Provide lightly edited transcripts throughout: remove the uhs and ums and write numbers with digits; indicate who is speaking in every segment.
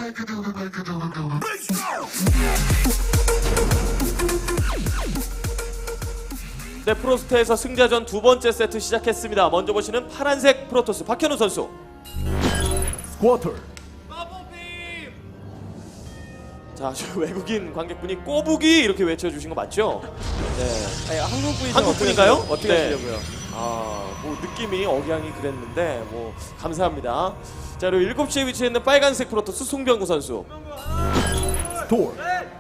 Speaker 1: 네, 프로스트에서 승자전 두 번째 세트 시작했습니다. 먼저 보시는 파란색 프로토스 박현우 선수.
Speaker 2: 쿼터.
Speaker 1: 자, 저 외국인 관객분이 꼬부기 이렇게 외쳐주신 거 맞죠? 네.
Speaker 3: 아니, 한국 분이죠.
Speaker 1: 한국 분인가요?
Speaker 3: 어떻게
Speaker 1: 네.
Speaker 3: 하시려고요?
Speaker 1: 뭐 느낌이 억양이 그랬는데 뭐 감사합니다. 자, 그리고 7시에 위치해 있는 빨간색 프로토스 송병구 선수.
Speaker 2: 스토어.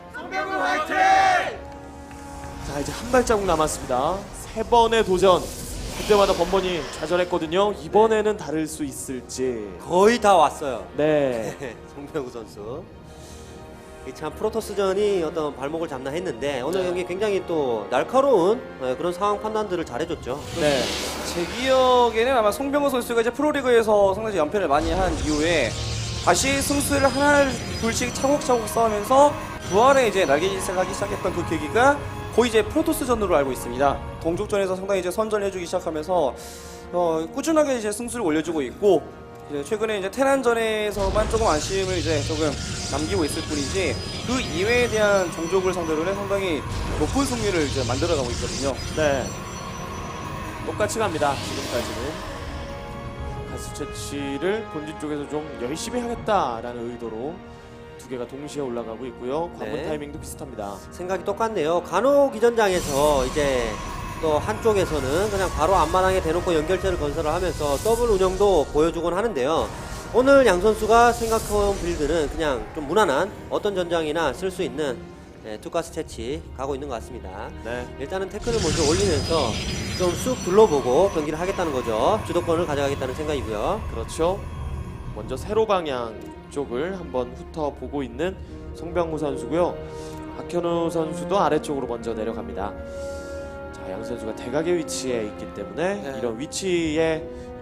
Speaker 1: 자, 이제 한 발자국 남았습니다. 세 번의 도전. 그때마다 번번이 좌절했거든요. 이번에는 다를 수 있을지.
Speaker 4: 거의 다 왔어요.
Speaker 1: 네.
Speaker 4: 송병구 선수. 이참 프로토스전이 어떤 발목을 잡나 했는데 오늘 경기 굉장히 또 날카로운 그런 상황 판단들을 잘해줬죠.
Speaker 1: 네.
Speaker 3: 제 기억에는 아마 송병호 선수가 이제 프로리그에서 상당히 연패를 많이 한 이후에 다시 승수를 하나 둘씩 차곡차곡 쌓으면서 부활에 이제 날개짓을 하기 시작했던 그 계기가 거의 이제 프로토스전으로 알고 있습니다. 동족전에서 상당히 이제 선전해주기 시작하면서 꾸준하게 이제 승수를 올려주고 있고 이제 최근에 이제 테란전에서만 조금 아쉬움을 이제 조금 남기고 있을 뿐이지 그 이외에 대한 종족을 상대로는 상당히 높은 승률을 이제 만들어가고 있거든요.
Speaker 1: 네. 똑같이 갑니다. 지금까지는. 가스 채취를 본진 쪽에서 좀 열심히 하겠다라는 의도로 두 개가 동시에 올라가고 있고요. 관문
Speaker 4: 네.
Speaker 1: 타이밍도 비슷합니다.
Speaker 4: 생각이 똑같네요. 간호 기전장에서 이제 또 한쪽에서는 그냥 바로 앞마당에 대놓고 연결체를 건설을 하면서 더블 운영도 보여주곤 하는데요. 오늘 양 선수가 생각해온 빌드는 그냥 좀 무난한 어떤 전장이나 쓸 수 있는 투가스 채취 가고 있는 것 같습니다.
Speaker 1: 네.
Speaker 4: 일단은 태클을 먼저 올리면서 좀 쑥 둘러보고 경기를 하겠다는 거죠. 주도권을 가져가겠다는 생각이고요.
Speaker 1: 그렇죠. 먼저 세로 방향 쪽을 한번 훑어보고 있는 송병구 선수고요. 박현우 선수도 아래쪽으로 먼저 내려갑니다. 자, 양 선수가 대각의 위치에 있기 때문에
Speaker 3: 네.
Speaker 1: 이런 위치의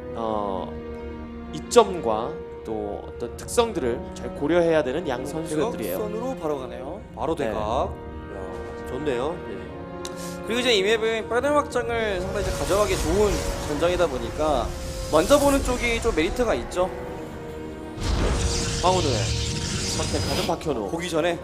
Speaker 1: 이점과 또 어떤 특성들을 잘 고려해야 되는 양 선수들이에요.
Speaker 3: 선으로 바로 가네요.
Speaker 4: 바로
Speaker 1: 네.
Speaker 4: 대각. 이야, 좋네요. 네.
Speaker 3: 그리고 이제 이 맵은 빨간 확장을 상당히 이제 가져가기 좋은 전장이다 보니까 먼저 보는 쪽이 좀 메리트가 있죠.
Speaker 1: 황운우의 선택하는 박현우.
Speaker 3: 보기 전에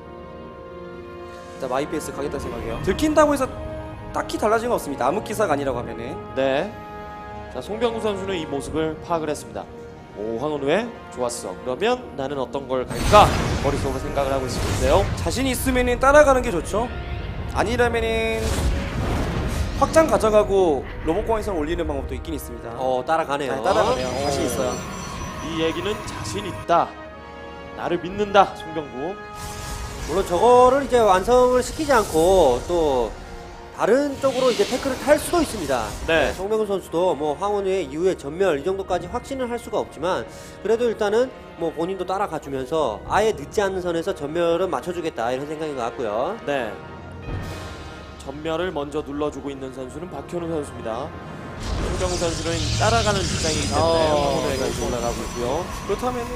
Speaker 3: 일단 마이페이스 가겠다 생각해요. 들킨다고 해서 딱히 달라진 건 없습니다. 아무 기사가 아니라고 하면은.
Speaker 1: 네. 자, 송병구 선수는 이 모습을 파악을 했습니다. 오, 황운우의 좋았어. 그러면 나는 어떤 걸 갈까? 머릿속으로 생각을 하고 있는데요.
Speaker 3: 자신 있으면은 따라가는 게 좋죠. 아니라면은 확장 가져가고 로봇공항에서 올리는 방법도 있긴 있습니다.
Speaker 4: 따라가네요.
Speaker 3: 네, 따라가네요. 자신 있어요.
Speaker 1: 이 얘기는 자신 있다. 나를 믿는다. 송병구.
Speaker 4: 물론 저거를 이제 완성을 시키지 않고 또 다른 쪽으로 이제 태클을 탈 수도 있습니다.
Speaker 1: 네.
Speaker 4: 송병구 선수도 뭐 황원우의 이후에 전멸 이 정도까지 확신을 할 수가 없지만 그래도 일단은 뭐 본인도 따라가 주면서 아예 늦지 않는 선에서 전멸은 맞춰주겠다 이런 생각인 것 같고요.
Speaker 1: 네. 전멸을 먼저 눌러주고 있는 선수는 박현우 선수입니다. 송병구 선수는 따라가는 입장이기 때문에 황운우가 이제 올라가고 있고요.
Speaker 3: 그렇다면은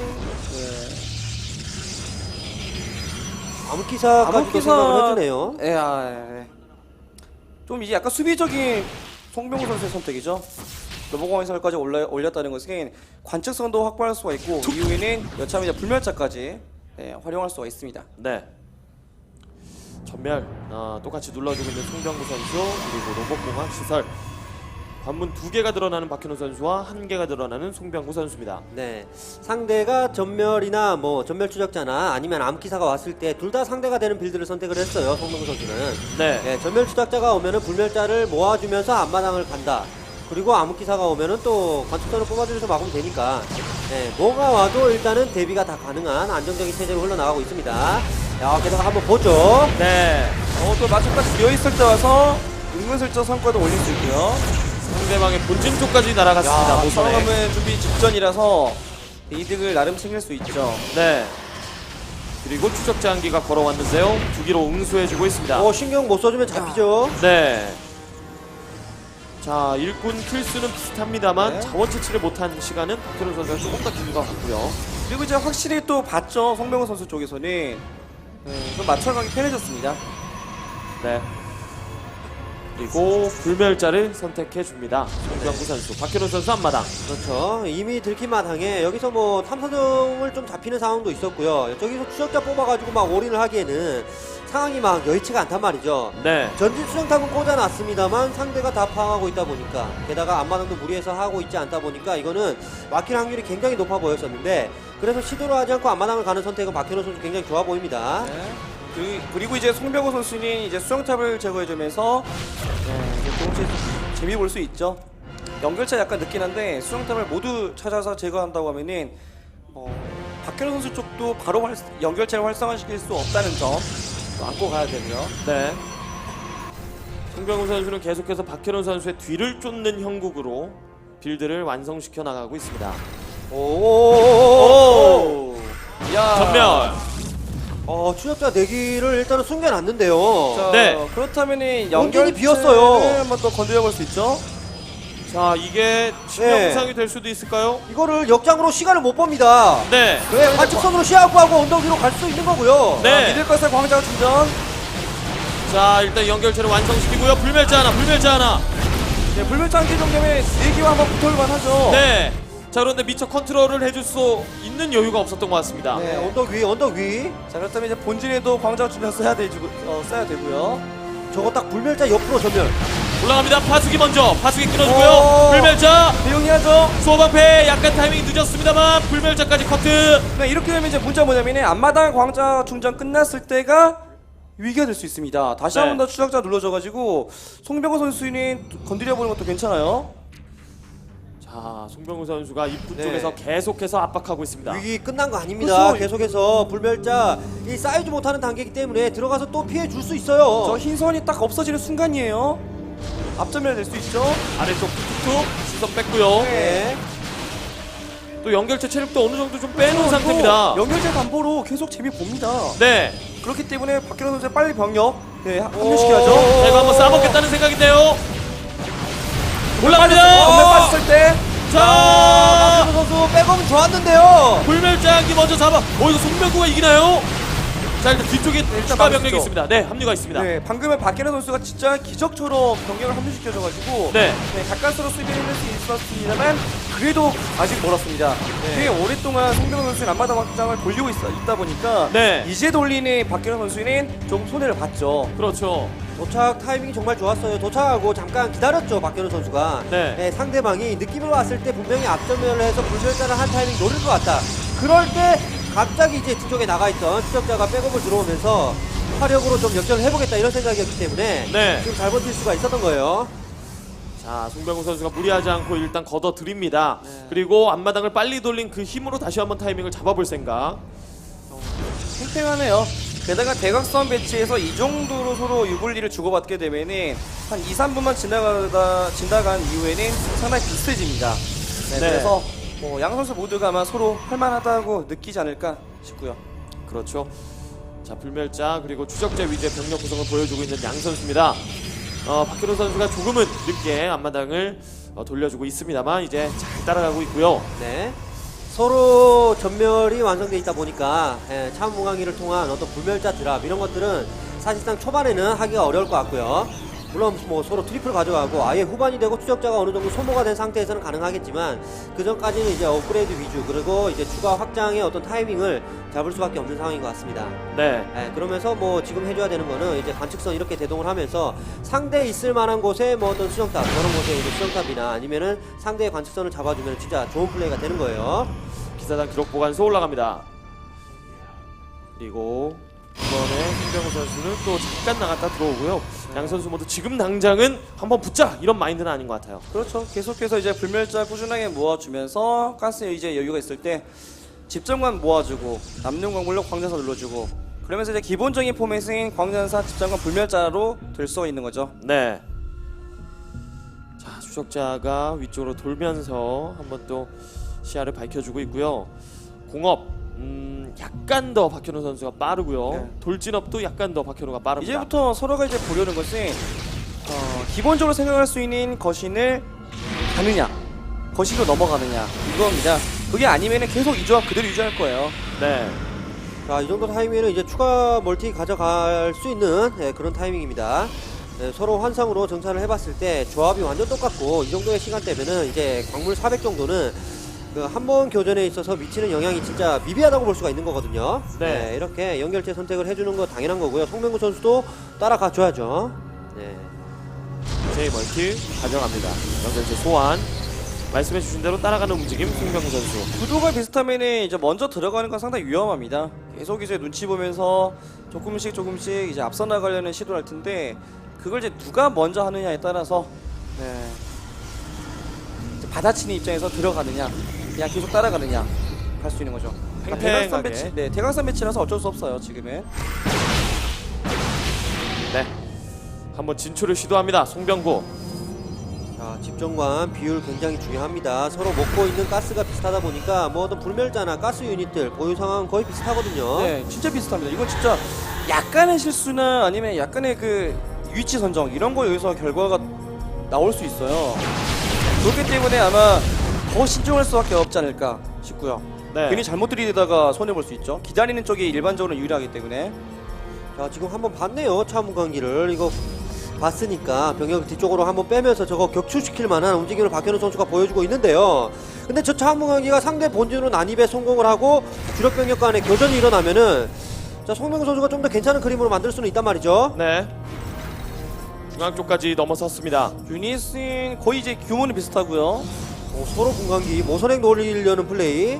Speaker 4: 암흑기사까지도 생각을 해주네요.
Speaker 3: 좀 이제 약간 수비적인 송병구 선수의 선택이죠. 로봇공항 해설까지 올렸다는 것은 관측성도 확보할 수가 있고 이후에는 여차하면 이제 불멸자까지 활용할 수가 있습니다.
Speaker 1: 네. 전멸 똑같이 눌러주고 있는 송병구 선수 그리고 로봇공학 시설 관문 2개가 드러나는 박현우 선수와 1개가 드러나는 송병구 선수입니다.
Speaker 4: 네, 상대가 전멸이나 뭐 전멸 추적자나 아니면 암기사가 왔을 때 둘 다 상대가 되는 빌드를 선택을 했어요. 송병구 선수는.
Speaker 1: 네.
Speaker 4: 네, 전멸 추적자가 오면은 불멸자를 모아주면서 앞마당을 간다. 그리고 암흑기사가 오면은 또 관측선을 뽑아주면서 막으면 되니까 네, 뭐가 와도 일단은 대비가 다 가능한 안정적인 체제로 흘러나가고 있습니다. 야, 게다가 한번 보죠.
Speaker 1: 네.
Speaker 3: 또 마침까지 비어있을 때 와서 은근슬쩍 성과도 올릴 수 있고요.
Speaker 1: 상대방의 본진 쪽까지 날아갔습니다. 모선에.
Speaker 3: 상황은 준비 직전이라서 이득을 나름 챙길 수 있죠.
Speaker 1: 네. 그리고 추적자 한기가 걸어왔는데요. 2기로 응수해주고 있습니다.
Speaker 4: 신경 못 써주면 잡히죠.
Speaker 1: 네. 자, 일꾼 킬수는 비슷합니다만
Speaker 3: 네.
Speaker 1: 자원 채취를 못한 시간은 박현우 선수가 조금 더 긴 것 같고요.
Speaker 3: 그리고 이제 확실히 또 봤죠. 송병호 선수 쪽에서는 좀 맞춰가기 편해졌습니다.
Speaker 1: 네. 그리고 불멸자를 선택해 줍니다. 송병구 선수, 박현우 선수 앞마당.
Speaker 4: 그렇죠. 이미 들킨 마당에 여기서 뭐 탐사정을 좀 잡히는 상황도 있었고요. 저기서 추적자 뽑아가지고 막 올인을 하기에는 상황이 막 여의치가 않단 말이죠.
Speaker 1: 네.
Speaker 4: 전진 수정탑은 꽂아놨습니다만 상대가 다 파악하고 있다 보니까, 게다가 앞마당도 무리해서 하고 있지 않다 보니까 이거는 막힐 확률이 굉장히 높아 보였었는데, 그래서 시도를 하지 않고 앞마당을 가는 선택은 박현우 선수 굉장히 좋아 보입니다.
Speaker 3: 네. 그리고 이제 송병호 선수는 이제 수정탑을 제거해주면서 이제 동시에 재미 볼 수 있죠. 연결차 약간 늦긴 한데 수정탑을 모두 찾아서 제거한다고 하면은 박현우 선수 쪽도 바로 연결체를 활성화시킬 수 없다는 점 안고 가야 되고요.
Speaker 1: 네. 송병구 선수는 계속해서 박현우 선수의 뒤를 쫓는 형국으로 빌드를 완성시켜 나가고 있습니다.
Speaker 3: 오. 야.
Speaker 1: 전멸.
Speaker 4: 추적자 내기를 일단은 숨겨놨는데요.
Speaker 3: 자,
Speaker 1: 네.
Speaker 3: 그렇다면은
Speaker 4: 공간이 비었어요.
Speaker 3: 한번 또 건드려 볼 수 있죠.
Speaker 1: 자, 이게 치명상이 될 수도 있을까요?
Speaker 4: 이거를 역장으로 시간을 못 봅니다.
Speaker 1: 네.
Speaker 4: 왜 관측선으로 시야하고 하고 언덕 위로 갈 수 있는 거고요.
Speaker 1: 네.
Speaker 3: 믿을 것을 광장 충전.
Speaker 1: 자, 일단 연결체를 완성시키고요. 불멸자 하나, 불멸자 하나.
Speaker 3: 네, 불멸자 한개 정도면 내기와 한번 붙어볼만 하죠.
Speaker 1: 네. 자, 그런데 미처 컨트롤을 해줄 수 있는 여유가 없었던 것 같습니다.
Speaker 4: 네, 언덕 위, 언덕 위.
Speaker 3: 자, 그렇다면 이제 본진에도 광장 충전 써야 되고요.
Speaker 4: 저거 딱 불멸자 옆으로 전멸.
Speaker 1: 올라갑니다. 파수기 먼저. 파수기 끊어주고요.
Speaker 3: 오.
Speaker 1: 불멸자.
Speaker 3: 대용이하죠.
Speaker 1: 소방패 약간 타이밍이 늦었습니다만 불멸자까지 커트.
Speaker 3: 네, 이렇게 되면 이제 문제가 뭐냐면 앞마당 광장 충전 끝났을 때가 위기가 될 수 있습니다. 다시
Speaker 1: 네.
Speaker 3: 한 번 더 추적자 눌러줘가지고 송병호 선수는 건드려보는 것도 괜찮아요.
Speaker 1: 자, 송병구 선수가 입구
Speaker 4: 네.
Speaker 1: 쪽에서 계속해서 압박하고 있습니다.
Speaker 4: 위기 끝난 거 아닙니다.
Speaker 3: 그렇죠.
Speaker 4: 계속해서 불멸자 이 쌓이지 못하는 단계이기 때문에 들어가서 또 피해 줄 수 있어요.
Speaker 3: 저 흰선이 딱 없어지는 순간이에요. 앞전멸 될 수 있죠.
Speaker 1: 아래쪽 툭툭 시선 뺐고요.
Speaker 4: 네.
Speaker 1: 또 연결체 체력도 어느 정도 좀 빼놓은 상태입니다.
Speaker 3: 연결제 담보로 계속 재미 봅니다.
Speaker 1: 네.
Speaker 3: 그렇기 때문에 박현우 선수 빨리 병력 합류시켜야죠.
Speaker 1: 자, 이거 한번 싸먹겠다는 생각인데요.
Speaker 3: 전멸
Speaker 1: 올라갑니다.
Speaker 3: 빠졌을 때
Speaker 1: 자,
Speaker 4: 박현우 선수 백업은 좋았는데요.
Speaker 1: 불멸자기 먼저 잡아. 이거 송병구가 이기나요? 자, 일단 뒤쪽에 추가 병력이
Speaker 3: 막으시죠.
Speaker 1: 있습니다. 네, 합류가 있습니다.
Speaker 3: 네, 방금은 박현우 선수가 진짜 기적처럼 병력을 합류시켜줘가지고
Speaker 1: 네.
Speaker 3: 가까스로 수비를 할 수 있었습니다만 그래도 아직 멀었습니다. 꽤 오랫동안 송병호 선수는 앞마당 확장을 돌리고 있다 보니까
Speaker 1: 네.
Speaker 3: 이제 돌리는 박현우 선수는 조금 손해를 봤죠.
Speaker 1: 그렇죠.
Speaker 4: 도착 타이밍이 정말 좋았어요. 도착하고 잠깐 기다렸죠, 박현우 선수가.
Speaker 1: 네.
Speaker 4: 상대방이 느낌을 왔을 때 분명히 앞전면을 해서 불멸자를 한 타이밍 노릴 것 같다. 그럴 때 갑자기 이제 뒤쪽에 나가있던 추적자가 백업을 들어오면서 화력으로 좀 역전을 해보겠다 이런 생각이었기 때문에
Speaker 1: 네.
Speaker 4: 지금 잘 버틸 수가 있었던 거예요.
Speaker 1: 자, 송병구 선수가 무리하지 않고 일단 걷어드립니다.
Speaker 3: 네.
Speaker 1: 그리고 앞마당을 빨리 돌린 그 힘으로 다시 한번 타이밍을 잡아볼 생각.
Speaker 3: 팽팽하네요. 게다가 대각선 배치에서 이 정도로 서로 유불리를 주고받게 되면은 한 2, 3분만 지나간 이후에는 상당히 비슷해집니다. 네,
Speaker 1: 네.
Speaker 3: 그래서 양 선수 모두가 아마 서로 할만하다고 느끼지 않을까 싶고요.
Speaker 1: 그렇죠. 자, 불멸자 그리고 추적자 위주의 병력 구성을 보여주고 있는 양 선수입니다. 박현우 선수가 조금은 늦게 앞마당을 돌려주고 있습니다만 이제 잘 따라가고 있고요.
Speaker 4: 네. 서로 전멸이 완성돼 있다 보니까 차무강이를 통한 어떤 불멸자 드랍 이런 것들은 사실상 초반에는 하기가 어려울 것 같고요. 물론 뭐 서로 트리플 가져가고 아예 후반이 되고 추적자가 어느 정도 소모가 된 상태에서는 가능하겠지만 그 전까지는 이제 업그레이드 위주 그리고 이제 추가 확장의 어떤 타이밍을 잡을 수밖에 없는 상황인 것 같습니다.
Speaker 1: 네.
Speaker 4: 그러면서 뭐 지금 해줘야 되는 거는 이제 관측선 이렇게 대동을 하면서 상대 있을 만한 곳에 뭐 어떤 수정탑 그런 곳에 이제 수정탑이나 아니면은 상대의 관측선을 잡아주면 진짜 좋은 플레이가 되는 거예요.
Speaker 1: 기사단 기록 보관소 올라갑니다. 그리고 이번에 송병호 선수는 또 잠깐 나갔다 들어오고요. 양 선수 모두 지금 당장은 한번 붙자 이런 마인드는 아닌 것 같아요.
Speaker 3: 그렇죠. 계속해서 이제 불멸자 꾸준하게 모아주면서 가스에 이제 여유가 있을 때 집정관 모아주고 남는 광물로 광전사 눌러주고 그러면서 이제 기본적인 포맷은 광전사 집정관 불멸자로 될 수 있는 거죠.
Speaker 1: 네. 자, 추적자가 위쪽으로 돌면서 한번 또 시야를 밝혀주고 있고요. 공업 약간 더 박현우 선수가 빠르고요.
Speaker 3: 네.
Speaker 1: 돌진업도 약간 더 박현우가 빠릅니다.
Speaker 3: 이제부터 서로가 이제 보려는 것은 기본적으로 생각할 수 있는 거신을 가느냐 거신으로 넘어가느냐 이겁니다. 그게 아니면은 계속 이 조합 그대로 유지할 거예요.
Speaker 1: 네.
Speaker 4: 자, 이 정도 타이밍에는 이제 추가 멀티 가져갈 수 있는 그런 타이밍입니다. 네, 서로 환상으로 정찰을 해봤을 때 조합이 완전 똑같고 이 정도의 시간대면은 이제 광물 400 정도는 그 한 번 교전에 있어서 미치는 영향이 진짜 미비하다고 볼 수가 있는 거거든요.
Speaker 1: 네.
Speaker 4: 이렇게 연결체 선택을 해주는 거 당연한 거고요. 송병구 선수도 따라가 줘야죠. 네.
Speaker 1: 제 멀티 가져갑니다. 연결체 소환. 말씀해주신 대로 따라가는 움직임 송병구 선수.
Speaker 3: 구도가 비슷하면은 이제 먼저 들어가는 건 상당히 위험합니다. 계속 이제 눈치 보면서 조금씩 이제 앞서 나가려는 시도를 할 텐데 그걸 이제 누가 먼저 하느냐에 따라서 이제 받아치는 입장에서 들어가느냐, 그냥 계속 따라가느냐 할 수 있는 거죠.
Speaker 1: 팽팽하게.
Speaker 3: 대각선 배치, 대각선 배치라서 어쩔 수 없어요 지금은.
Speaker 1: 네. 한번 진출을 시도합니다. 송병구.
Speaker 4: 자, 집정관 비율 굉장히 중요합니다. 서로 먹고 있는 가스가 비슷하다 보니까 뭐 어떤 불멸자나 가스 유닛들 보유 상황은 거의 비슷하거든요.
Speaker 3: 네, 진짜 비슷합니다. 이건 진짜 약간의 실수나 아니면 약간의 그 위치 선정 이런 거 여기서 결과가 나올 수 있어요. 그렇기 때문에 아마 더 신중할 수밖에 없지 않을까 싶고요.
Speaker 1: 네.
Speaker 3: 괜히 잘못 들이대다가 손해 볼 수 있죠. 기다리는 쪽이 일반적으로 유리하기 때문에.
Speaker 4: 자, 지금 한번 봤네요. 차문관기를 이거 봤으니까 병력 뒤쪽으로 한번 빼면서 저거 격추시킬 만한 움직임을 박현우 선수가 보여주고 있는데요. 근데 저 차문관기가 상대 본진으로 난입에 성공을 하고 주력 병력 간의 교전이 일어나면은 자, 송병구 선수가 좀 더 괜찮은 그림으로 만들 수는 있단 말이죠.
Speaker 1: 네. 중앙 쪽까지 넘어섰습니다.
Speaker 3: 유닛은 거의 이제 규모는 비슷하고요.
Speaker 4: 서로 분광기 모선행 노리려는 플레이.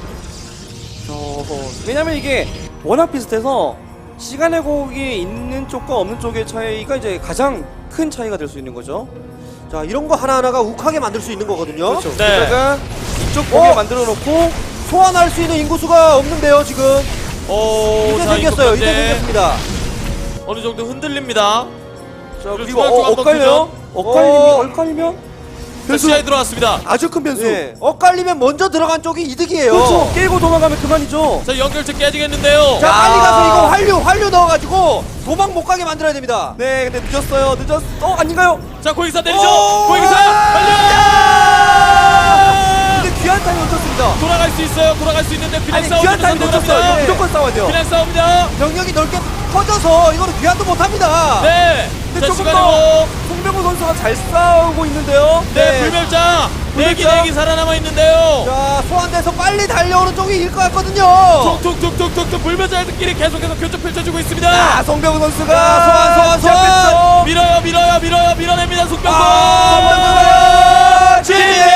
Speaker 3: 왜냐면 이게 워낙 비슷해서 시간의 곡이 있는 쪽과 없는 쪽의 차이가 이제 가장 큰 차이가 될 수 있는 거죠.
Speaker 4: 자, 이런 거 하나하나가 욱하게 만들 수 있는 거거든요.
Speaker 3: 그렇죠.
Speaker 1: 네.
Speaker 3: 게다가 이쪽 곡에 만들어 놓고
Speaker 4: 소환할 수 있는 인구수가 없는데요, 지금. 이제
Speaker 1: 자,
Speaker 4: 생겼어요.
Speaker 1: 이것도
Speaker 4: 이제
Speaker 1: 네.
Speaker 4: 생겼습니다.
Speaker 1: 어느 정도 흔들립니다.
Speaker 3: 자,
Speaker 1: 그리고
Speaker 3: 그리고
Speaker 1: 중앙 쪽 한번
Speaker 3: 엇갈려?
Speaker 4: 어.
Speaker 3: 엇갈리면
Speaker 1: 자, 시야에 들어왔습니다.
Speaker 3: 아주 큰 변수.
Speaker 4: 네. 엇갈리면 먼저 들어간 쪽이 이득이에요.
Speaker 3: 그렇죠. 깨고 도망가면 그만이죠.
Speaker 1: 자, 연결체 깨지겠는데요.
Speaker 4: 자,
Speaker 3: 야.
Speaker 4: 빨리 가서 이거 환류 넣어가지고 도망 못 가게 만들어야 됩니다.
Speaker 3: 네, 근데 늦었어요. 아닌가요?
Speaker 1: 자, 고익사 내리죠.
Speaker 4: 오!
Speaker 1: 고익사 달려!
Speaker 3: 근데 귀한 타임 놓쳤습니다.
Speaker 1: 돌아갈 수 있어요. 돌아갈 수 있는데 비난
Speaker 3: 아니,
Speaker 1: 싸움.
Speaker 3: 귀한 타임 놓쳤어요. 이거 무조건 싸워야 돼요.
Speaker 1: 비난 싸움입니다.
Speaker 4: 병력이 넓게 퍼져서 이거는 귀환도 못합니다.
Speaker 1: 네.
Speaker 3: 근데
Speaker 1: 자,
Speaker 3: 조금
Speaker 1: 시간이고.
Speaker 3: 더 송병호 선수가 잘 싸우고 있는데요.
Speaker 1: 네,
Speaker 4: 네.
Speaker 1: 불멸자. 내기
Speaker 3: 불멸자.
Speaker 1: 내기 살아남아 있는데요.
Speaker 4: 자, 소환돼서 빨리 달려오는 쪽이 이길 것 같거든요.
Speaker 1: 툭툭툭툭툭 불멸자들끼리 계속해서 교전 펼쳐주고 있습니다.
Speaker 3: 아, 송병호 선수가
Speaker 4: 자, 소환.
Speaker 3: 시작했죠.
Speaker 1: 밀어요. 밀어냅니다. 속병구.
Speaker 3: 송병구가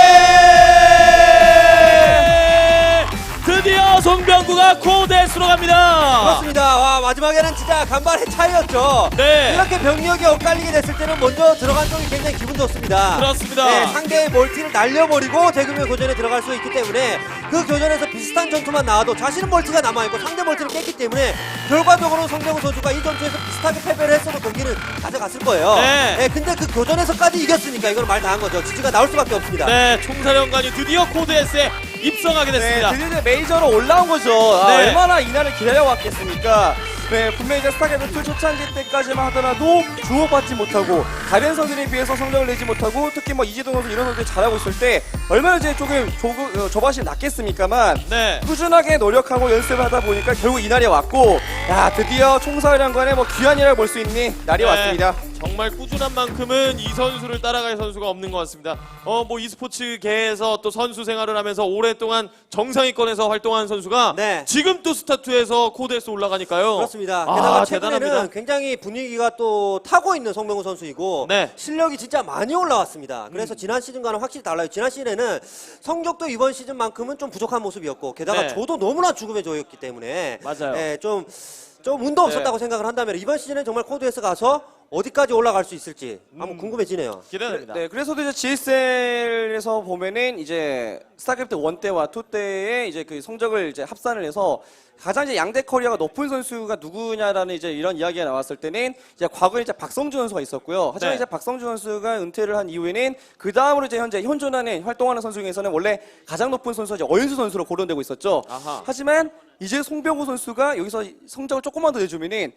Speaker 1: 드디어 송병구가 코데스로 갑니다.
Speaker 4: 그렇습니다. 와, 마지막에는 진짜 간발의 차이였죠.
Speaker 1: 네.
Speaker 4: 이렇게 병력이 엇갈리게 됐을 때는 먼저 들어간 쪽이 굉장히 기분 좋습니다.
Speaker 1: 그렇습니다.
Speaker 4: 네, 상대의 멀티를 날려버리고 대규모 교전에 들어갈 수 있기 때문에 그 교전에서 비슷한 전투만 나와도 자신은 멀티가 남아있고 상대 멀티를 깼기 때문에 결과적으로 송병구 선수가 이 전투에서 비슷하게 패배를 했어도 경기는 가져갔을 거예요.
Speaker 1: 네.
Speaker 4: 근데 그 교전에서까지 이겼으니까 이건 말 다 한 거죠. 지지가 나올 수밖에 없습니다.
Speaker 1: 네, 총사령관이 드디어 코드S에 입성하게
Speaker 3: 네,
Speaker 1: 됐습니다.
Speaker 3: 드디어 이제 메이저로 올라온 거죠.
Speaker 1: 네.
Speaker 3: 얼마나 이날을 기다려왔겠습니까? 네, 분명히 이제 스타크래프트 초창기 때까지만 하더라도 주목받지 못하고 다른 선수들에 비해서 성적을 내지 못하고 특히 뭐 이재동 선수 이런 선수들이 잘하고 있을 때 얼마나 이제 조금 조바심이 났겠습니까만
Speaker 1: 네.
Speaker 3: 꾸준하게 노력하고 연습을 하다 보니까 결국 이날이 왔고 야 드디어 총사령관의 뭐 귀환이라고 볼 수 있는 날이
Speaker 1: 네,
Speaker 3: 왔습니다.
Speaker 1: 정말 꾸준한 만큼은 이 선수를 따라갈 선수가 없는 것 같습니다. 뭐 e스포츠계에서 또 선수 생활을 하면서 오랫동안 정상위권에서 활동한 선수가
Speaker 4: 네.
Speaker 1: 지금 또 스타투에서 코드S 올라가니까요.
Speaker 4: 그렇습니다.
Speaker 1: 아,
Speaker 4: 게다가
Speaker 1: 대단합니다.
Speaker 4: 최근에는 굉장히 분위기가 또 타고 있는 송병구 선수이고
Speaker 1: 네.
Speaker 4: 실력이 진짜 많이 올라왔습니다. 그래서 지난 시즌과는 확실히 달라요. 지난 시즌에는 성적도 이번 시즌만큼은 좀 부족한 모습이었고 게다가
Speaker 1: 네.
Speaker 4: 조도 너무나 죽음의 조였기 때문에
Speaker 1: 맞아요.
Speaker 4: 좀 운도 없었다고 생각을 한다면 이번 시즌에 정말 코드에서 가서 어디까지 올라갈 수 있을지 한번 궁금해지네요.
Speaker 1: 기대됩니다.
Speaker 3: 네, 그래서도 이제 GSL에서 보면은 이제 스타크래프트 1 때와 2 때의 이제 그 성적을 이제 합산을 해서 가장 이제 양대 커리어가 높은 선수가 누구냐라는 이제 이런 이야기가 나왔을 때는 이제 과거에 이제 박성준 선수가 있었고요. 하지만
Speaker 1: 네.
Speaker 3: 이제 박성준 선수가 은퇴를 한 이후에는 그 다음으로 이제 현재 현존하는 활동하는 선수 중에서는 원래 가장 높은 선수가 이제 어윤수 선수로 거론되고 있었죠.
Speaker 1: 아하.
Speaker 3: 하지만 이제 송병호 선수가 여기서 성적을 조금만 더 내주면은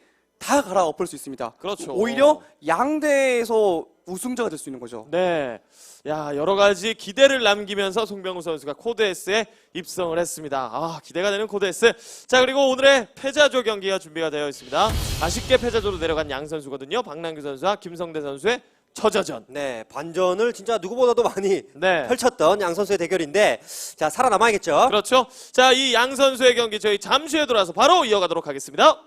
Speaker 3: 다 갈아엎을 수 있습니다.
Speaker 1: 그렇죠.
Speaker 3: 오히려 양대에서 우승자가 될 수 있는 거죠.
Speaker 1: 네. 야, 여러 가지 기대를 남기면서 송병우 선수가 코드S에 입성을 했습니다. 아, 기대가 되는 코드S. 자, 그리고 오늘의 패자조 경기가 준비가 되어 있습니다. 아쉽게 패자조로 내려간 양 선수거든요. 박남규 선수와 김성대 선수의 처저전.
Speaker 4: 네, 반전을 진짜 누구보다도 많이
Speaker 1: 네.
Speaker 4: 펼쳤던 양 선수의 대결인데 자, 살아남아야겠죠.
Speaker 1: 그렇죠. 자, 이 양 선수의 경기 저희 잠시 후에 돌아와서 바로 이어가도록 하겠습니다.